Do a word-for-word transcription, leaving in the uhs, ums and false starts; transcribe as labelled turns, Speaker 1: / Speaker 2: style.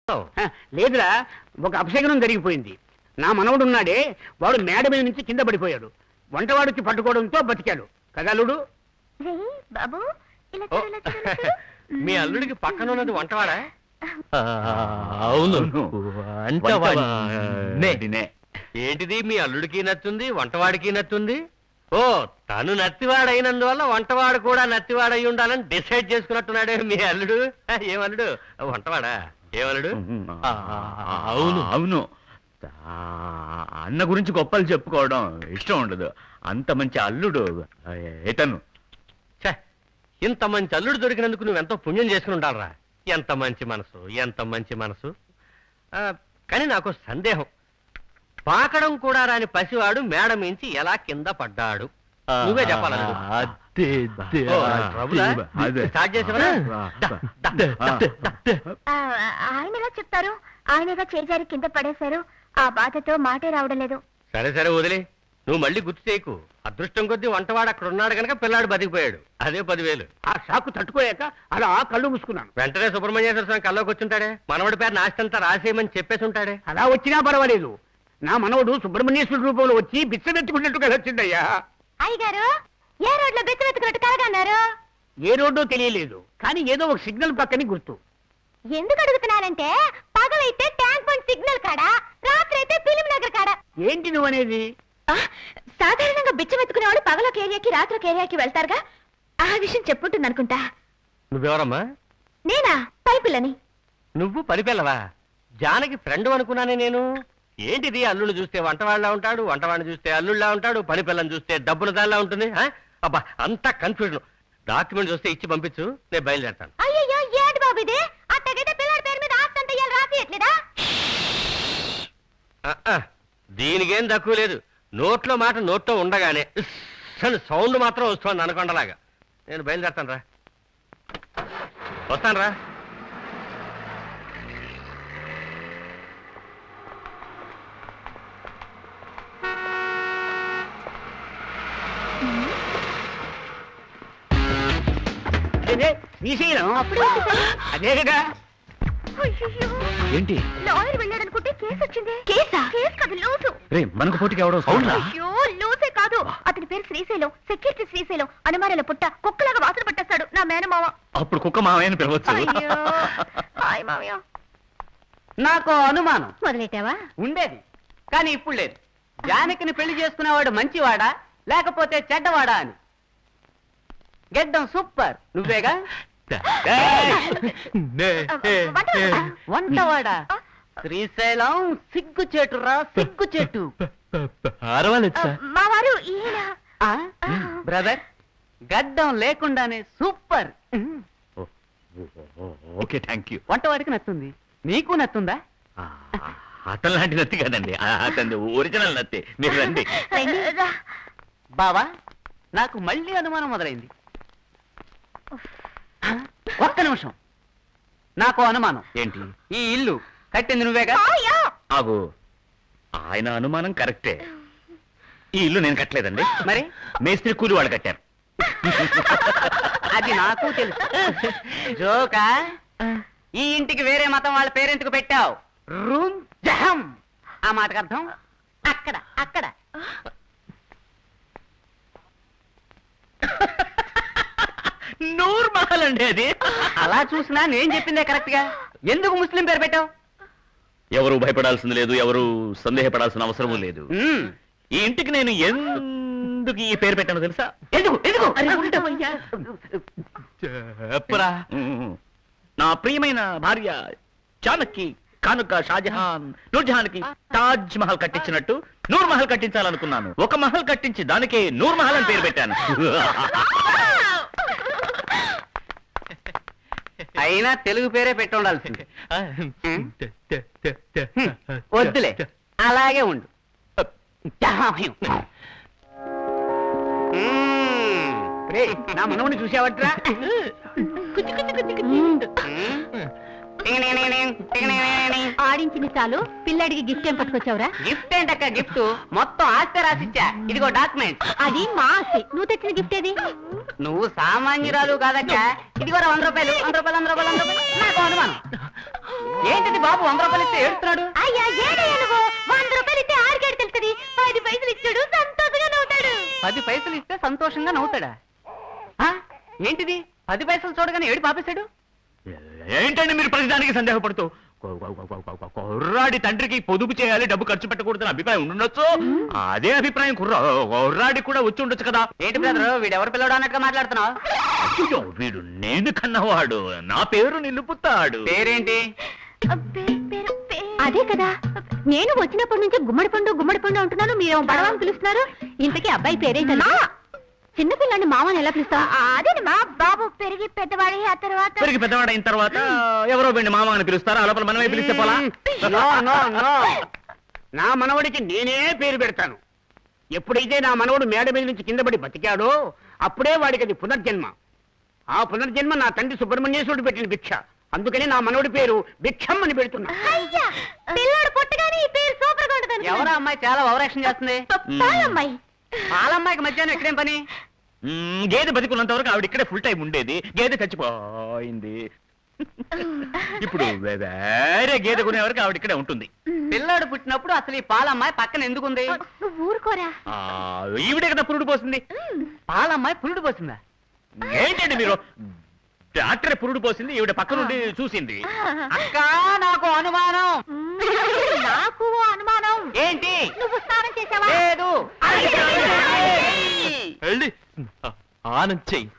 Speaker 1: లేదురా, ఒక అపశకనం జరిగిపోయింది. నా మనవడు ఉన్నాడే, వాడు మేడ మీద నుంచి కింద పడిపోయాడు. వంటవాడికి పట్టుకోవడంతో బతికాడు కదా అల్లుడు.
Speaker 2: బాబు
Speaker 3: మీ అల్లుడికి పక్కన ఉన్నది వంటవాడా?
Speaker 4: అవును.
Speaker 3: ఏంటిది మీ అల్లుడికి నచ్చుంది, వంటవాడికి నచ్చుంది? ఓ, తను నత్తివాడైనందువల్ల వంటవాడు కూడా నత్తివాడై ఉండాలని డిసైడ్ చేసుకున్నట్టున్నాడే మీ అల్లుడు. ఏమల్లుడు? వంటవాడా? ఏమల్లుడు?
Speaker 4: అవును అవును. అన్న గురించి గొప్పలు చెప్పుకోవడం ఇష్టం ఉండదు. అంత మంచి అల్లుడు ఏతను.
Speaker 3: ఇంత మంచి అల్లుడు దొరికినందుకు నువ్వెంతో పుణ్యం చేసుకుని ఉండాలరా. ఎంత మంచి మనసు, ఎంత మంచి మనసు. కానీ నాకు సందేహం, పాకడం కూడా రాని పసివాడు మేడ మించి ఎలా కింద పడ్డాడు? నువ్వే చెప్పాలి. స్టార్ట్ చేసేవరా?
Speaker 2: ఆయన ఎలా చెప్తారు? ఆయనగా చేజారి కింద పడేశారు. ఆ బాధతో మాటే రావడం లేదు.
Speaker 3: సరే సరే వదిలే, నువ్వు మళ్ళీ గుర్తు చేయకు. అదృష్టం కొద్దీ వంటవాడు అక్కడ ఉన్నాడు కనుక పిల్లాడు బతికిపోయాడు. అదే పదివేలు.
Speaker 1: ఆ షాకు తట్టుకోలేక అలా కళ్ళు మూసుకున్నాను.
Speaker 3: వెంటనే సుబ్రహ్మణ్యేశ్వర స్వామి కల్లోకి వచ్చుంటాడే, మనవడి పేరు నాస్తంతా రాసేయమని చెప్పేసి ఉంటాడే.
Speaker 1: అలా వచ్చినా పర్వాలేదు. నా మనవడు సుబ్రహ్మణ్యేశ్వర రూపంలో వచ్చి బిచ్చమెత్తుకున్నట్టుగా వచ్చిందయ్యా.
Speaker 2: అయ్యగారు, ఏ రోడ్లో బిచ్చమెత్తుకున్నట్టు కలగన్నారు?
Speaker 1: ఏ రోడ్డో తెలియలేదు, కానీ ఏదో ఒక సిగ్నల్ పక్కని గుర్తు.
Speaker 2: ఎందుకు అడుగుతున్నానంటే, పగలైతే ట్యాంక్ బండ్ సిగ్నల్ కాడా, రాత్రి అయితే ఫిలిం నగర్ కాడా.
Speaker 1: ఏంటి నువ్వు అనేది?
Speaker 2: సాధారణంగా బిచ్చమెత్తుకునే వాళ్ళు పగలొక ఏరియాకి రాత్రికి ఏరియాకి వెళ్తారుగా, ఆ విషయం చెప్పుంటుంది అనుకుంటా.
Speaker 3: నువ్వెవరమ్మా?
Speaker 2: నేనా? పైపిల్లని.
Speaker 3: నువ్వు పనిపిల్లవా? జానకి ఫ్రెండ్ అనుకున్నానే నేను. ఏంటిది, అల్లుడు చూస్తే వంటవాళ్ళ ఉంటాడు, వంటవాడిని చూస్తే అల్లుళ్ళ ఉంటాడు, పని పిల్లని చూస్తే డబ్బున దానిలా ఉంటుంది. అబ్బా, అంతా కన్ఫ్యూజన్. డాక్యుమెంట్ చూస్తే ఇచ్చి పంపించు, నేను బయలుదేరతాను.
Speaker 2: అయ్యో, ఏంటి బాబు ఇది? అట్టగైతే పిల్లడి పేరు మీద ఆస్తి అంతా ఇయ్యాలి, రాసియట్లేదా?
Speaker 3: దీనికేం తక్కువ లేదు. నోట్లో మాట నోట్లో ఉండగానే సౌండ్ మాత్రం వస్తుంది అనకొండలాగా. నేను బయలుదేరతాను రా, వస్తాను రా.
Speaker 1: శ్రీశైలం అదే కదా.
Speaker 4: ఏంటి?
Speaker 2: లాయర్ వెళ్ళాడనుకుంటే కేసు వచ్చింది. కేసా? కేసు కాదు, లూసు.
Speaker 4: రే, మనకు పోటీకి ఎవడో?
Speaker 2: అయ్యో, లూసే కాదు, అతని పేరు శ్రీశైలం. సెక్యూరిటీ శ్రీశైలం. అనుమానాల పుట్ట, కుక్కలాగా వాసన పట్టేస్తాడు నా మేనమావ.
Speaker 4: అప్పుడు కుక్క మావయ్యని పిలవచ్చు.
Speaker 2: హాయ్ మావయ్య.
Speaker 1: నాకు అనుమానం
Speaker 2: మొదలెట్టావా?
Speaker 1: ఉండేది, కానీ ఇప్పుడు లేదు. జానకిని పెళ్లి చేసుకునేవాడు మంచివాడా లేకపోతే చెడ్డవాడా అని. గెడ్డం సూపర్, నువ్వేగా. వంటవాడా? శ్రీశైలం సిగ్గు చెట్టురా, సిగ్గు చెట్టు.
Speaker 2: మా వారు ఈయన.
Speaker 1: బ్రదర్, గడ్డం లేకుండానే సూపర్.
Speaker 4: Okay, thank you.
Speaker 1: వంటవాడికి నచ్చుంది, నీకు నచ్చుందా?
Speaker 4: అతను లాంటి నత్తి కదండి, అతని ఒరిజినల్ నత్తి. మీరు రండి.
Speaker 1: బావా, నాకు మళ్ళీ అనుమానం మొదలైంది. ఒక్క నిమిషం, నాకు అనుమానం.
Speaker 4: ఏంటి?
Speaker 1: ఈ ఇల్లు కట్టింది నువ్వేగా?
Speaker 4: ఆగు, ఆయన అనుమానం కరెక్టే. ఈ ఇల్లు నేను కట్టలేదండి.
Speaker 1: మరి
Speaker 4: మేస్త్రి కూలి వాళ్ళు కట్టారు.
Speaker 1: అది నాకు తెలుసు. జోకా? ఈ ఇంటికి వేరే మతం వాళ్ళ పేరెంట్కు పెట్టావు. రూమ్ జహం. ఆ మాటకు అర్థం అక్కడ అక్కడ.
Speaker 4: నూర్ మహల్ అండి అది.
Speaker 1: అలా చూసినా నేను చెప్పిందే కరెక్ట్ గా. ఎందుకు ముస్లిం పేరు పెట్టావు?
Speaker 4: ఎవరు భయపడాల్సింది లేదు, ఎవరు సందేహపడాల్సిన అవసరం లేదు. ఈ ఇంటికి నేను ఎందుకు ఈ పేరు పెట్టానో తెలుసా?
Speaker 1: ఎందుకు ఎందుకు
Speaker 4: చెప్పరా. నా ప్రియమైన భార్య జానకి కానుక షాజహాన్ నూర్జహాన్ కి తాజ్ మహల్ కట్టించినట్టు నూర్ మహల్ కట్టించాలనుకున్నాను. ఒక మహల్ కట్టించి దానికే నూర్ మహల్ అని పేరు పెట్టాను.
Speaker 1: అయినా తెలుగు పేరే పెట్టి ఉండాల్సింది. వద్దులే, అలాగే ఉండు. నా మనవుని చూసావట్రా?
Speaker 2: ఆడించింది చాలు, పిల్లడికి గిఫ్ట్ ఏం పట్టుకొచ్చావురా?
Speaker 1: గిఫ్ట్ ఏంటక్క గిఫ్ట్? మొత్తం ఆస్తి రాసిచ్చా. ఇదిగో డాక్యుమెంట్.
Speaker 2: అది మా ఆస్తి. నువ్వు తెచ్చిన గిఫ్ట్ ఏది?
Speaker 1: నువ్వు సామాన్యురాలు కాదక్క. ఇదిగో వంద రూపాయలు వంద రూపాయలు వంద రూపాయలు వంద రూపాయలు. నాకు అనుమానం. ఏంటిది బాబు వంద రూపాయలు ఇస్తే ఏడుస్తున్నాడు?
Speaker 2: అయ్యా ఏడయ్యా నువ్వు వంద రూపాయలు ఇస్తే ఆరికేడు తెలుస్తుంది పది పైసలు ఇచ్చాడు సంతోషంగా నవ్వుతాడు.
Speaker 1: పది పైసలు ఇస్తే సంతోషంగా నవ్వుతాడా? ఆ? ఏంటిది పది పైసలు చూడగానే ఏడు పాపేశాడు?
Speaker 4: ఏంటండి మీరు ప్రతిదానికి సందేహపడుతూ? కుర్రాడి తండ్రికి పొదుపు చేయాలి, డబ్బు ఖర్చు పెట్టకూడదని అభిప్రాయం ఉండొచ్చు. అదే అభిప్రాయం కుర్రా కుర్రాడి కూడా వచ్చి ఉండొచ్చు కదా.
Speaker 1: ఏంటి బ్రదర్ వీడెవరు పిల్లడు అన్నట్టుగా మాట్లాడుతున్నావు?
Speaker 4: అయ్యో, వీడు నేను కన్నవాడు, నా పేరు నిలుపుతాడు.
Speaker 1: పేరేంటి?
Speaker 2: అదే కదా నేను వచ్చినప్పటి నుంచి గుమ్మడి పండు గుమ్మడి పండు అంటున్నాను, మీరు బడవాన్ని పిలుస్తున్నారు. ఇంతకీ అబ్బాయి పేరేంటన్నా? చిన్నపిల్లని మామని ఎలా పిలుస్తా? అదే మా బాబు పెరిగి పెద్దవాడి ఆ తర్వాత
Speaker 4: పెరిగి పెద్దవాడైన తర్వాత ఎవరో వెండి మామ అని పిలుస్తారా? ఆ లోపల మనమే పిలిస్తే పోలా?
Speaker 5: No, no, no. నా మనవడికి నేనే పేరు పెడతాను. ఎప్పుడైతే నా మనవడు మేడ మీద నుంచి కింద పడి బతికాడో అప్పుడే వాడికి అది పునర్జన్మ. ఆ పునర్జన్మ నా తండ్రి సుబ్రహ్మణ్యేశ్వరుడు పెట్టిన భిక్ష. అందుకని నా మనవడి పేరు భిక్షం అని పెడుతున్నా.
Speaker 2: అయ్యా పిల్లాడు పుట్టగానే ఈ పేరు సూపర్ గా ఉంటుంది.
Speaker 1: ఎవరా అమ్మాయి చాలా ఓవరాక్షన్ చేస్తుంది?
Speaker 2: పాలమ్మాయి.
Speaker 1: పాలమ్మాయికి మధ్యాహ్నం ఎక్కడేం పని?
Speaker 4: మ్మ్, గేదె బతికున్నంత వరకు ఆవిడ ఇక్కడే ఫుల్ టైం ఉండేది. గేదె చచ్చిపోయింది. ఇప్పుడు వే- వేరే గేదె కొనే వరకు ఆవిడ ఇక్కడే ఉంటుంది.
Speaker 1: పిల్లాడు పుట్టినప్పుడు అసలు ఈ పాలమ్మాయి పక్కన ఎందుకుంది?
Speaker 2: నువ్వు ఊరుకోరా.
Speaker 4: ఆ, ఈవిడే కదా పురుడు పోసింది.
Speaker 1: పాలమ్మాయి పురుడు పోసిందా?
Speaker 4: ఏంటండి మీరు? డాక్టర్ పురుడు పోసింది, ఈవిడ పక్క నుండి చూసింది.
Speaker 1: అక్క నాకు అనుమానం.
Speaker 2: నాకు ఓ అనుమానం.
Speaker 1: ఏంటి?
Speaker 2: నువ్వు స్నానం చేసావా?
Speaker 1: లేదు.
Speaker 3: వెళ్ళి ఆనంద్ చెయ్యి.